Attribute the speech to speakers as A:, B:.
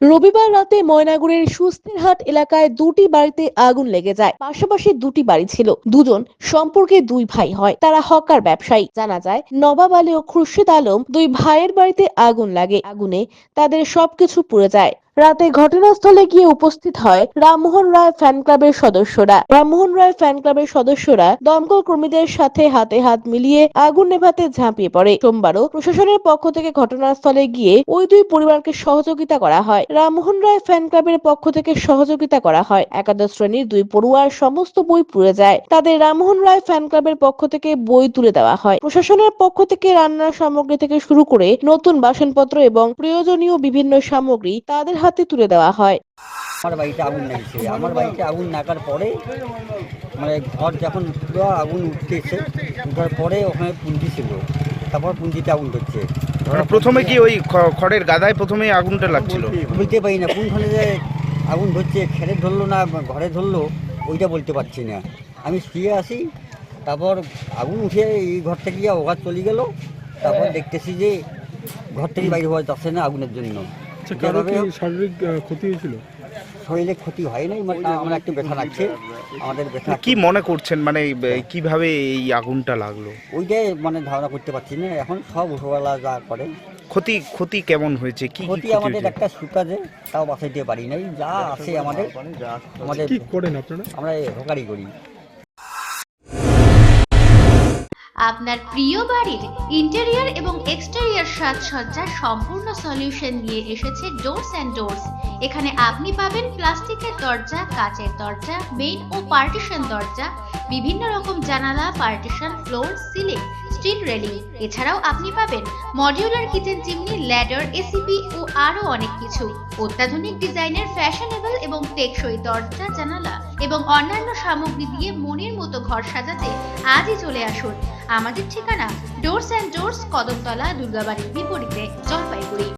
A: রবিবার রাতে ময়নাগুড়ির সুস্থিরহাট এলাকায় দুটি বাড়িতে আগুন লেগে যায়। পাশাপাশি দুটি বাড়ি ছিল। দুজন সম্পর্কে দুই ভাই হয়, তারা হকার ব্যবসায়ী। জানা যায় নবাব আলী ও খুরশিদ আলম দুই ভাইয়ের বাড়িতে আগুন লাগে। আগুনে তাদের সবকিছু পুড়ে যায়। রাতে ঘটনাস্থলে গিয়ে উপস্থিত হয় রামমোহন রায় ফ্যান ক্লাবের সদস্যরা দমকল কর্মীদের সাথে হাতে হাত মিলিয়ে আগুন নেভাতে ঝাঁপিয়ে পড়ে। সোমবারও প্রশাসনের পক্ষ থেকে ঘটনাস্থলে গিয়ে ওই দুই পরিবারকে সহযোগিতা করা হয়। রামমোহন রায় ফ্যান ক্লাবের পক্ষ থেকে সহযোগিতা করা হয়। একাদশ শ্রেণীর দুই পড়ুয়ার সমস্ত বই পুড়ে যায়। তাদের রামমোহন রায় ফ্যান ক্লাবের পক্ষ থেকে বই তুলে দেওয়া হয়। প্রশাসনের পক্ষ থেকে রান্নার সামগ্রী থেকে শুরু করে নতুন বাসনপত্র এবং প্রয়োজনীয় বিভিন্ন সামগ্রী তাদের হাতে তুলে দেওয়া হয়।
B: আমার বাড়িতে আগুন লেগেছে। আমার বাড়িতে আগুন লাগার পরে মানে ঘর যখন পুরো আগুন উঠতেছে, উঠার পরে ওখানে পুঞ্জি ছিল, তারপর পুঞ্জিতে আগুন ধরছে।
C: প্রথমে কি ওই খড়ের গাদায় প্রথমে আগুনটা লাগছিল?
B: বলতে পারি না কোনখানে যে আগুন ধরছে, খেরে ধরলো না ঘরে ধরলো ওইটা বলতে পারছি না। আমি শুয়ে আসি, তারপর আগুন উঠে এই ঘরটা গিয়ে ওঘাত চলে গেল। তারপর দেখতেছি যে ঘর থেকে বাইরে হওয়া যাচ্ছে না আগুনের জন্য।
D: শারীরিক ক্ষতি হয়েছিল?
B: শরীরে ক্ষতি হয় নাই, আমার একটু ব্যথা লাগছে। আমাদের ব্যথা
C: কি মনে করছেন, মানে কিভাবে এই আগুনটা লাগলো?
B: ওইটাই মানে ধারণা করতে পারছি না। এখন সব উপরওয়ালা যা করে।
C: ক্ষতি কেমন হয়েছে? কি
B: ক্ষতি আমাদের একটা সুকাজে তাও বাঁচাইতে পারি নাই। যা আছে আমাদের
D: কি করেন আপনারা?
B: আমরা হোকারি করি।
E: আপনার প্রিয় বাড়ির ইন্টেরিয়র এবং এক্সটেরিয়র সাজসজ্জার সম্পূর্ণ সলিউশন নিয়ে এসেছে ডোরস অ্যান্ড ডোরস। এখানে আপনি পাবেন প্লাস্টিকের দরজা, কাচের দরজা, মেইন ও পার্টিশন দরজা, বিভিন্ন রকম জানালা, partition, floor, ceiling, steel railing. এছাড়াও আপনি পাবেন modular kitchen chimney, ladder, ACP ও আরো অনেক কিছু। অত্যাধুনিক ডিজাইনের ফ্যাশনেবল এবং টেকসই দরজা, জানালা এবং অন্যান্য সামগ্রী দিয়ে মনের মতো ঘর সাজাতে আজই চলে আসুন। আমাদের ঠিকানা ডোরস অ্যান্ড ডোরস, কদমতলা, দুর্গাবাড়ির বিপরীতে, জলপাইগুড়ি।